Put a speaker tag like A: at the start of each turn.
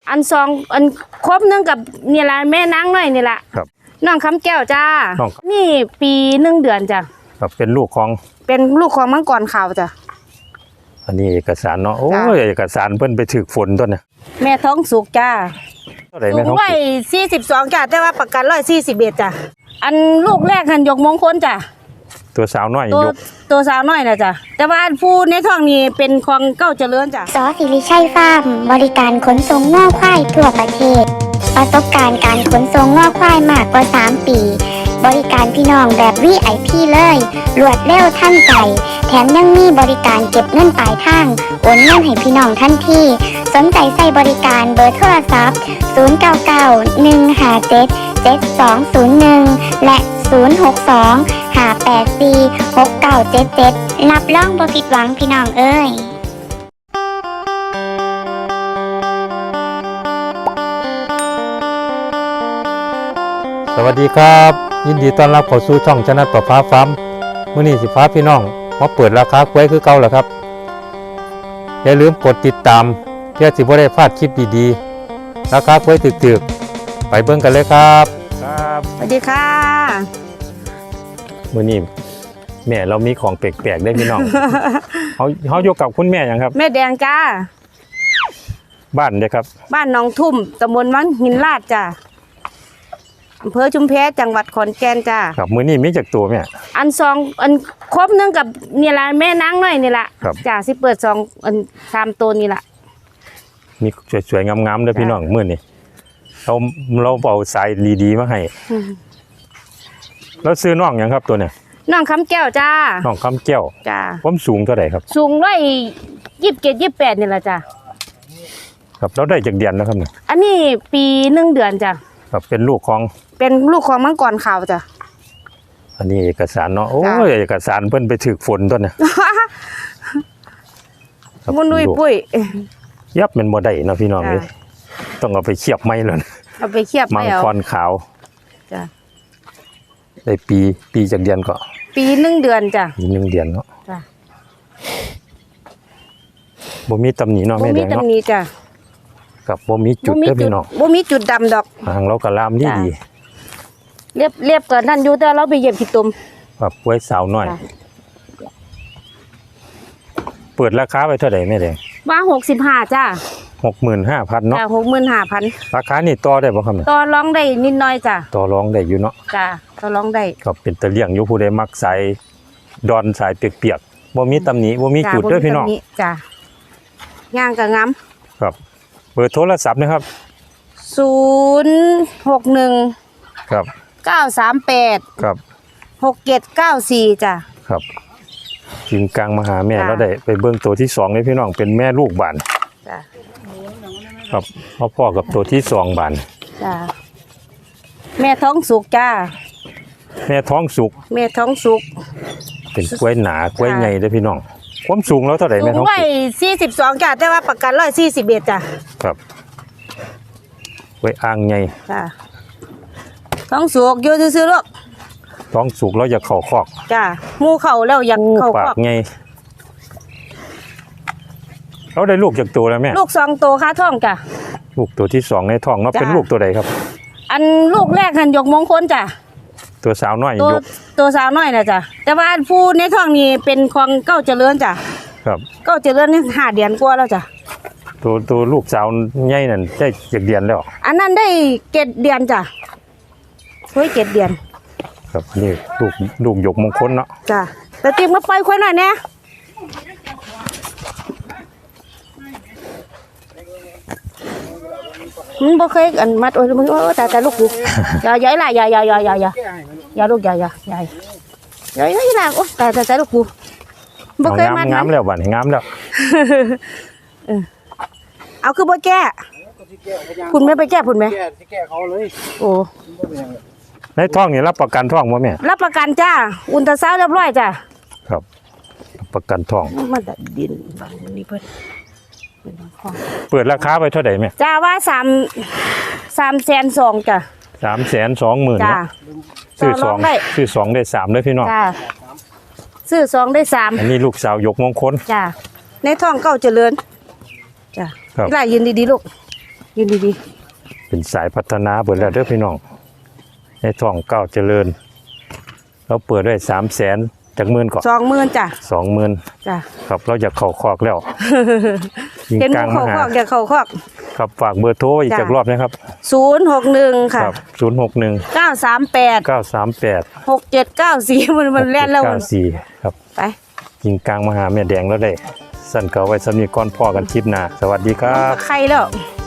A: อันซองอันครบนึงกับนี่ละแม่นางน้อยนี่ละ
B: ครับ
A: น้องคำแก้วจ้านี่ปี1 เดือนจ้ะ
B: ครับเป็นลูกของ
A: มังกรขาวจ้ะ
B: อันนี้เอกสารเนาะโอ้ยเอกสารเพิ่นไปถึกฝนต้นเนี่ย
A: แม่ท้องสุกจ้า
B: เท่าไหร่แม่ท้องสุก
A: 42จ้ะแต่ว่าประกัน141จ้ะอันลูกแรกหันยกมงคลจ้ะ
B: ตัวสาวน้อยยก
A: ตัวสาวน้อยนะจ้ะแต่ว่าผู้ในท้องนี้เป็นของเก้าเจริญจ้ะ
C: สศิริชัยฟาร์มบริการขนส่งง่อควายทั่วประเทศประสบการณ์การขนส่งง่อควายมากกว่า3 ปีบริการพี่น้องแบบ VIP เลยรวดเร็วทันใจแถมยังมีบริการเก็บเงินปลายทางโอนเงินให้พี่น้องทันทีสนใจใส่บริการเบอร์โทรศัพท์0991577201และ062-584-6977รับรองบ่ผิดหวังพี่น้องเอ้ย
B: สวัสดีครับยินดีต้อนรับเข้าสู่ช่องชนะประภาฟาร์มมื้อนี้สิพาพี่น้องมาเปิดราคากล้วยคือเก่าแล้วครับอย่าลืมกดติดตามเพื่อสิบ่ได้พลาดคลิปดีๆราคากล้วยตึกๆไปเบิ่งกันเลยครับ
A: สวัสดีค่ะ
B: มื้อนี้แม่เรามีของแปลกๆได้พี่น้องเขาอยู่กับคุณแม่หยังครับ
A: แม่แดงจ้า
B: บ้านเด้ครับ
A: บ้านหนองทุ่มตำบลวังหินลาดจ้าอำเภอชุมแพจังหวัดขอนแก่นจ้า
B: ครับมื้อนี้มีจักตัวแม่
A: อันซองอันครบนึงกับนี่ละแม่นางน้อยนี่ละจ้าสิเปิดซองอัน3 ตัวนี่ละ
B: มีสวยๆงามๆเด้อพี่น้องมื้อนี้เราเอาสายดีๆมาให้แล้วซื้อน้องหยังครับตัวเนี่ย
A: น้องคำแก้วจ้า
B: น้องคำแก้ว
A: จ้า
B: ความสูงเท่าไหร่ครับ
A: สูง127-28นี่แหละจ้า
B: ครับเราได้จากเดือนแล้วครับเนี่ย
A: อันนี้ปี1 เดือนจ้า
B: ครับเป็นลูกของ
A: มังกรขาวจ้ะ
B: อันนี้เอกสารเนาะโอ้ยเอกสารเพิ่นไปถึกฝนต้นเนี่ย
A: มุนดุยปุ้ย
B: ยับมันบ่ได้เนาะพี่น้องเอ้ยต้องเอาไปเคียบไม้เลย
A: เอาไปเคียบ
B: มังกรขาว
A: จ้ะ
B: ได้ปีจากเดือนก็
A: ปี1 เดือนจ้ะ
B: ปี1 เดือนเนาะ
A: จ้ะ
B: บ่มีตำหนิเนาะแม่แดงเนาะ
A: บ่มีตำหนิจ้ะ
B: กับบ่มีจุดเด้อพี่น้อง
A: บ่มีจุดดำดอก
B: หางเราก็ลามดี
A: เรียบกันนั่นอยู่แต่เราไปเหยียบขี้ตุ่ม
B: ครับไว้สาวน้อยเปิดราคาไว้เท่าไหร่แม่แดง
A: ว่า65จ้ะ
B: 65,000เนาะ
A: จ้ะ65,000
B: ราคานี่ต่อได้บ่ครับ
A: ต่อรองได้นิดหน่อยจ้ะ
B: ต่อรองได้อยู่เนาะ
A: จ้ะต่อรองได้
B: ครับเป็นตะเลี่ยงอยู่ผู้ใดมักสายดอนสายเปียกๆบ่มีตำหนิบ่มีจุดเด้อพี่น้อง
A: จ้ะย่างก็งาม
B: ครับเบอร์โทรศัพท์นะครับ
A: 061
B: ครับ
A: 938
B: ครับ
A: 6794จ้ะ
B: ครับทีมกลางมาหาแม่แล้วได้ไปเบิ่งตัวที่2เลยพี่น้องเป็นแม่ลูกบาน
A: จ้ะ
B: ครับพ่อกับตัวที่2บาน
A: จ้ะแม่ท้องสุกจ้า
B: แม่ท้องสุกเป็นกล้วยหนากล้วยใหญ่เด้อพี่น้องความสูงแล้วเท่าไหร่แม่ท้อง
A: สุก42จ้ะแต่ว่าประกัน141จ้ะ
B: ครับกล้วยอ่างใหญ่
A: จ้ะท้องสุกอยู่ซื่อๆลูก
B: ท้องสุกแล้วอยากเข้าคอก
A: จ้ะหมู่เข้าแล้วอยากเข้าคอก
B: ปากใหญ่เราได้ลูกจากตัวแล้วแม่
A: ลูก2 ตัวค่าท้องจ้ะ
B: ลูกตัวที่2ในท้องเนาะเป็นลูกตัวใดครับ
A: อันลูกแรกหันยกมงคลจ้ะ
B: ตัวสาวน้อยยก
A: ตัวสาวน้อยนะจ้ะแต่ว่าผู้ในท้องนี้เป็นของเก้าเจริญจ้ะ
B: ครับ
A: เก้าเจริญนี่5 เดือนกว่าแล้วจ้ะ
B: ตัวลูกสาวใหญ่นั่นได้จากเดือนแล้ว
A: อันนั้นได้7 เดือนจ้ะเฮ้ย7 เดือน
B: ครับนี่ลูกยกมงคลเนาะ
A: จ้ะแต่ติ๊กมาปล่อยควายหน่อยเนี่ยมันบ่เคยอันมัดโอ้ยมึงแต่ลูกกูอย่าล่ะอย่าลูกอย่าล่ะโอ้แต่ลูกกูบ่เคยมัด
B: งามแล้วบัดงามแล้ว
A: เอาคือบ่แก้คุณไม่ไปแก้คุณไหม
D: แก้เขาเลย
A: โอ้
B: ในท้องนี่รับประกันท้องบ่แม่
A: รับประกันจ้าอุลตราซาวด์เรียบร้อยจ้า
B: ครับประกันท้อง
A: มันดินนี่เพิ่น
B: เปิดราคาไปเท่าไหร่แม่
A: จ้าว่า320,000จ้ะ
B: 320,000จ้าซื้อ2ได้3เลยพี่น้อง
A: จ้าซื้อ2ได้3
B: อันนี้ลูกสาวยกมงคล
A: จ้าในท้องเก้าเจริญจ้านี่ล่ะยืนดีๆลูกยืนดี
B: เป็นสายพัฒนาเบิดแล้วเด้อพี่น้องในท้องเก้าเจริญเราเปิดไว้300,000จากหมื่นก่อน
A: 20,000จ้ะ
B: 20,000
A: จ้ะ
B: ครับเราอยากเข้าคอกแล้ว ยิง
A: เห็น
B: กลาง
A: เขา
B: มาหา
A: คอกอย่าเขาคอก
B: ครับฝากเบอร์โทรอีก
A: จ้ะ
B: จากรอบนะครับ
A: 061ค่ะ
B: ครับ061
A: 938
B: 938
A: 6794มันแล่นแล้วมัน
B: 94ครับ
A: ไป
B: ยิงกลางมาหาแม่แดงแล้วได้สั่นเก่าไว้สำนีก่อนพ่อกันคลิปหน้าสวัสดีครับ
A: ใครแล้ว